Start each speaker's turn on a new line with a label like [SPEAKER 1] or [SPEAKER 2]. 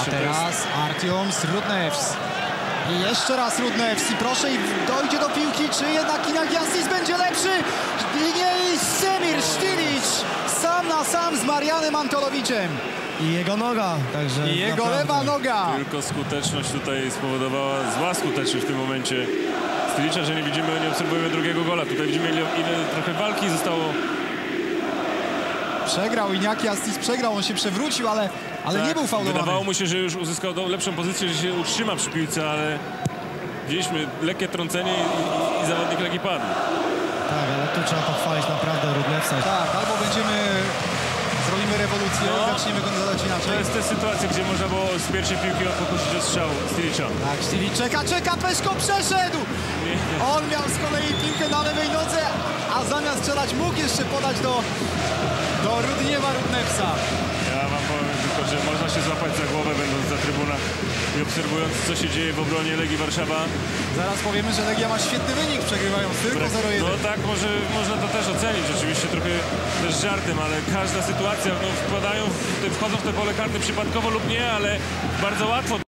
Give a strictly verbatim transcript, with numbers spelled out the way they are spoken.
[SPEAKER 1] właśnie
[SPEAKER 2] A teraz Artiom Rudnevs. I jeszcze raz Rudnevs. I proszę, i dojdzie do piłki, czy jednak Inagiasis będzie lepszy? I nie, i Semir Štilić sam na sam z Marianem Antolowiczem.
[SPEAKER 3] I jego noga, także
[SPEAKER 2] I jego
[SPEAKER 3] naprawdę.
[SPEAKER 2] lewa noga.
[SPEAKER 1] Tylko skuteczność tutaj spowodowała, zła skuteczność w tym momencie Štilicza, że nie widzimy, nie obserwujemy drugiego gola. Tutaj widzimy, ile, ile trochę walki zostało.
[SPEAKER 2] Przegrał Inagiasis, przegrał, on się przewrócił, ale, ale
[SPEAKER 1] Tak,
[SPEAKER 2] nie był faulowany.
[SPEAKER 1] wydawało mu się, że już uzyskał do, lepszą pozycję, że się utrzyma przy piłce, ale widzieliśmy lekkie trącenie i, i, i zawodnik Legii padł.
[SPEAKER 3] Tak, ale tu trzeba pochwalić naprawdę Rudnevsa.
[SPEAKER 2] Tak, albo będziemy, zrobimy rewolucję,
[SPEAKER 1] No.
[SPEAKER 2] zaczniemy go nazywać
[SPEAKER 1] To
[SPEAKER 2] inaczej.
[SPEAKER 1] jest te sytuacje, gdzie można było z pierwszej piłki pokusić o strzał Štilicza.
[SPEAKER 2] Tak, Štilić czeka, czeka, Peszko przeszedł!
[SPEAKER 1] Nie, nie.
[SPEAKER 2] On miał z kolei piłkę na lewej nodze, a zamiast strzelać mógł jeszcze podać do, do Rudniewa Rudnevsa.
[SPEAKER 1] Ja wam powiem tylko, że można się złapać za głowę, będąc za trybunach i obserwując, co się dzieje w obronie Legii Warszawa.
[SPEAKER 2] Zaraz powiemy, że Legia ma świetny wynik, przegrywając tylko zero jeden.
[SPEAKER 1] No tak, może można to też ocenić, oczywiście trochę też żartem, ale każda sytuacja, no wkładają, w te, wchodzą w te pole karne przypadkowo lub nie, ale bardzo łatwo.